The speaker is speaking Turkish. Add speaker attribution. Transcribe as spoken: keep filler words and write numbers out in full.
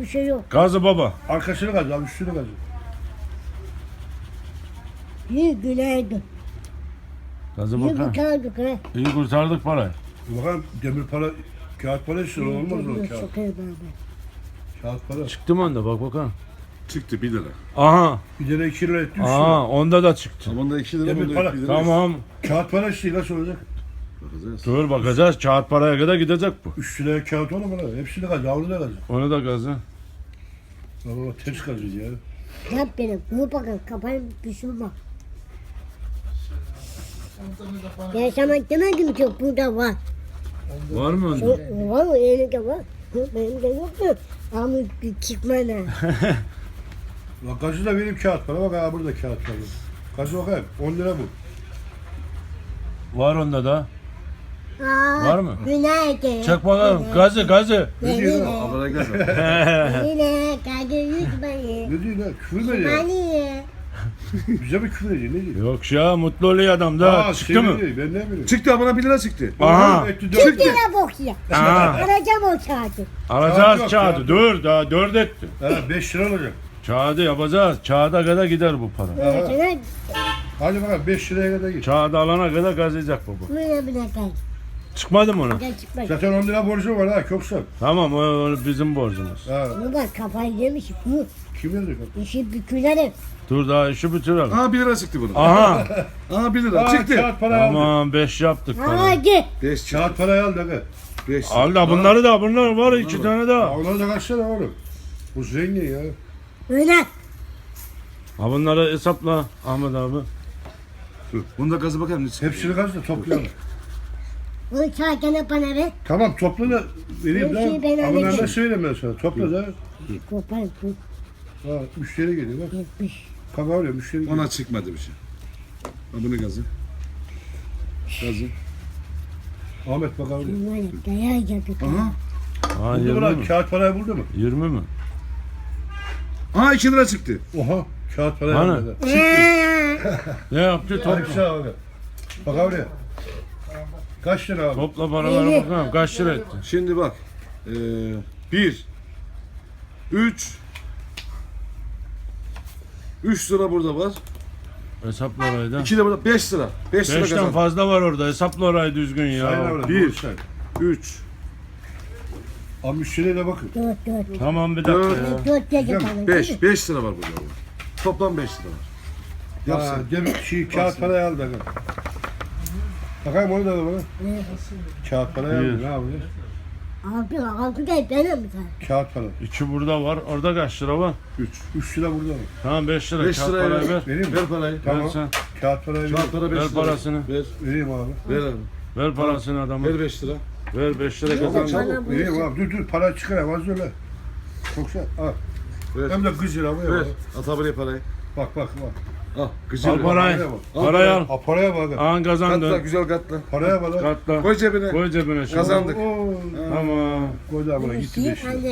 Speaker 1: bir şey yok.
Speaker 2: Gazı baba.
Speaker 3: Arkasını kaz abi, üstünü kaz.
Speaker 1: İyi günaydın.
Speaker 2: Gazı
Speaker 1: İyi
Speaker 2: bakalım.
Speaker 1: kurtardık ha.
Speaker 2: İyi kurtardık parayı.
Speaker 3: Bakalım demir para, kağıt para istiyor, olmaz o
Speaker 1: Yok,
Speaker 3: kağıt.
Speaker 1: sokar baba.
Speaker 3: Kağıt para.
Speaker 2: Çıktı mı onda bak bakalım.
Speaker 4: Çıktı bir lira.
Speaker 2: Aha.
Speaker 3: Bir lira iki lira etti, üç lira.
Speaker 2: Aha onda da çıktı.
Speaker 4: Bunda iki lira,
Speaker 3: Demir
Speaker 4: bunda
Speaker 3: para.
Speaker 4: bir lira.
Speaker 2: Tamam.
Speaker 3: Kağıt para istiyor, nasıl olacak?
Speaker 4: Bakacağız.
Speaker 2: Dur bakacağız. Kağıt paraya kadar gidecek bu.
Speaker 3: Üç liraya kağıt olur mu lan? Hepsini kaz, avlu da kaz.
Speaker 2: Onu da gazı.
Speaker 3: Baba ters kazıyor ya.
Speaker 1: Yap beni. Bunu bakın. Kafayı düşürme. Ben sana demedim ki burada var.
Speaker 2: Var mı onda?
Speaker 1: Çok, var mı? Elinde var. Yok, benim de yok mu? Ama çıkma ne?
Speaker 3: Bak gazı da benim kağıt para, bak ha burada kağıt para. Gazı bakayım, on lira bu.
Speaker 2: Var onda da.
Speaker 1: Aa,
Speaker 2: Var mı?
Speaker 1: Günaydın.
Speaker 2: Çek bakalım. Gazı gazı.
Speaker 3: Ne diyor lan?
Speaker 4: Abone gel.
Speaker 1: Yine kadı yüzmeyi.
Speaker 3: Ne diyor lan? Küfür mü ediyor?
Speaker 1: Mani.
Speaker 3: Bize mi küfür ediyor, ne diyor?
Speaker 2: Yok ya mutlu oluyor adam da.
Speaker 3: Aa,
Speaker 2: Çıktı
Speaker 3: şey
Speaker 2: mı?
Speaker 3: diyor, ben ne bileyim.
Speaker 4: Çıktı bana bir lira çıktı.
Speaker 2: Aha.
Speaker 3: Etti
Speaker 1: Çık
Speaker 3: dört lira.
Speaker 1: yine bok ya.
Speaker 2: Aha.
Speaker 1: Arayacağım o kağıdı.
Speaker 2: Alacağız
Speaker 3: yok,
Speaker 2: kağıdı.
Speaker 3: kağıt
Speaker 2: Dur daha dört etti.
Speaker 3: Ha, beş lira olacak.
Speaker 2: Kağıdı yapacağız. Kağıda kadar gider bu para.
Speaker 3: Aha.
Speaker 1: Sana
Speaker 3: Hadi bakalım beş liraya kadar git.
Speaker 2: Kağıdı alana kadar gazlayacak baba.
Speaker 1: böyle bile kal.
Speaker 2: Çıkmadı mı ona?
Speaker 1: Gel çıkma.
Speaker 3: Zaten on lira borcum var ha, çok sor.
Speaker 2: Tamam o, o bizim borcumuz.
Speaker 3: Ha,
Speaker 1: Bunu bak kafayı yemiş. Bu
Speaker 3: kim yazıyor?
Speaker 1: işi bükülerim.
Speaker 2: Dur daha işi bitirelim.
Speaker 4: Aha bir lira çıktı buna.
Speaker 2: Aha.
Speaker 4: Aha bir lira
Speaker 3: Aa,
Speaker 4: çıktı.
Speaker 3: kağıt para aldı.
Speaker 2: Tamam beş yaptık para.
Speaker 1: Hadi.
Speaker 4: Beş çıktı.
Speaker 3: Kağıt parayı al da gel.
Speaker 4: Beş çıktı.
Speaker 2: Al da bunları da bunlar var iki tane
Speaker 3: Ya
Speaker 2: daha.
Speaker 3: onları da kaçsana oğlum. Bu zengin ya.
Speaker 1: Öyle.
Speaker 2: Ha bunları hesapla Ahmet abi.
Speaker 4: Dur. Bunda gazı bakayım ne çıktı.
Speaker 3: Hepsini kaz da toplayalım.
Speaker 1: Bunu kağıdını bana ver.
Speaker 3: Tamam topla da vereyim
Speaker 1: Hepsini ben
Speaker 3: da. Ama
Speaker 1: alacağım.
Speaker 3: ben söyleyeyim ben sana. Topla da.
Speaker 1: Kopar bu.
Speaker 3: Ha, müşteri geliyor bak.
Speaker 1: Yetmiş.
Speaker 3: Kaka oluyor müşteri geliyor.
Speaker 4: Ona çıkmadı bir şey. Ha bu ne gazı? Gazı.
Speaker 3: Ahmet bak oluyor.
Speaker 1: Bunlar dayağı yapıyor.
Speaker 4: Aha.
Speaker 2: Ha
Speaker 3: Buldu mu
Speaker 2: yirmi
Speaker 3: lan?
Speaker 2: mi?
Speaker 3: Kağıt parayı buldu mu?
Speaker 2: Yirmi mi?
Speaker 4: Aha iki lira çıktı.
Speaker 3: Oha. Kağıt parayı
Speaker 2: Hani?
Speaker 3: aldı.
Speaker 2: Ne yaptı?
Speaker 3: Hadi
Speaker 2: Topla.
Speaker 3: bir şey abi. Bak oraya. Kaç lira abi?
Speaker 2: Topla paraları bakalım. Kaç lira etti?
Speaker 4: Şimdi bak. Ee, bir. Üç. Üç lira burada var.
Speaker 2: Hesapla orayı da.
Speaker 4: İki de burada. Beş lira. Beş lira
Speaker 2: Beşten
Speaker 4: kazandım.
Speaker 2: fazla var orada. Hesapla orayı düzgün
Speaker 3: Sayın
Speaker 2: ya.
Speaker 3: abi.
Speaker 4: Bir.
Speaker 3: doğru say.
Speaker 4: Üç.
Speaker 3: Abi müşteriye de bakın.
Speaker 1: Dört dört.
Speaker 2: Tamam bir dakika
Speaker 4: Dört.
Speaker 2: ya.
Speaker 1: Dört gece kalın.
Speaker 4: Beş. Beş lira var burada. Toplam beş lira var. Yap
Speaker 3: Ha,
Speaker 4: sen.
Speaker 3: demin şey kağıt parayı al da gel. Bakayım onu da da bana. Kağıt parayı
Speaker 2: Bir.
Speaker 3: al. Ne yapıyor?
Speaker 1: Altı altı da benim mi sen?
Speaker 3: Kağıt para.
Speaker 2: İki burada var. Orada kaç lira var?
Speaker 4: Üç.
Speaker 3: Üç lira burada var.
Speaker 2: Tamam beş lira.
Speaker 4: Beş
Speaker 2: Kağıt
Speaker 4: liraya
Speaker 2: parayı ver.
Speaker 4: ver.
Speaker 3: Vereyim mi?
Speaker 4: Ver parayı.
Speaker 3: Tamam.
Speaker 2: Ver sen.
Speaker 3: Kağıt parayı
Speaker 4: Kağıt
Speaker 3: ver.
Speaker 4: para beş
Speaker 2: Ver
Speaker 4: lira.
Speaker 2: parasını.
Speaker 4: Ver.
Speaker 3: Vereyim abi.
Speaker 4: Ver abi.
Speaker 2: Ver parasını adama.
Speaker 4: Ver beş lira.
Speaker 2: Ver beş lira
Speaker 4: Çabuk,
Speaker 2: kazan.
Speaker 4: çabuk.
Speaker 3: Vereyim abi. Dur dur para çıkarayım az öyle. Çok şey. Al.
Speaker 4: Ver.
Speaker 3: Hem de kız lira bu ya.
Speaker 4: Ver. At abi parayı.
Speaker 3: Bak bak bak.
Speaker 4: Al. Güzel.
Speaker 2: Al parayı.
Speaker 3: Paraya bak.
Speaker 2: Parayı al.
Speaker 3: Ha, paraya bak.
Speaker 2: An
Speaker 4: Katla.
Speaker 2: kazandın.
Speaker 4: Güzel katla.
Speaker 3: Paraya bak. lan.
Speaker 2: Katla.
Speaker 4: Koy cebine.
Speaker 2: Koy cebine şimdi.
Speaker 4: Kazandık.
Speaker 3: Oo.
Speaker 2: Tamam.
Speaker 3: Koydu abla gitti beş lira.
Speaker 1: Anne.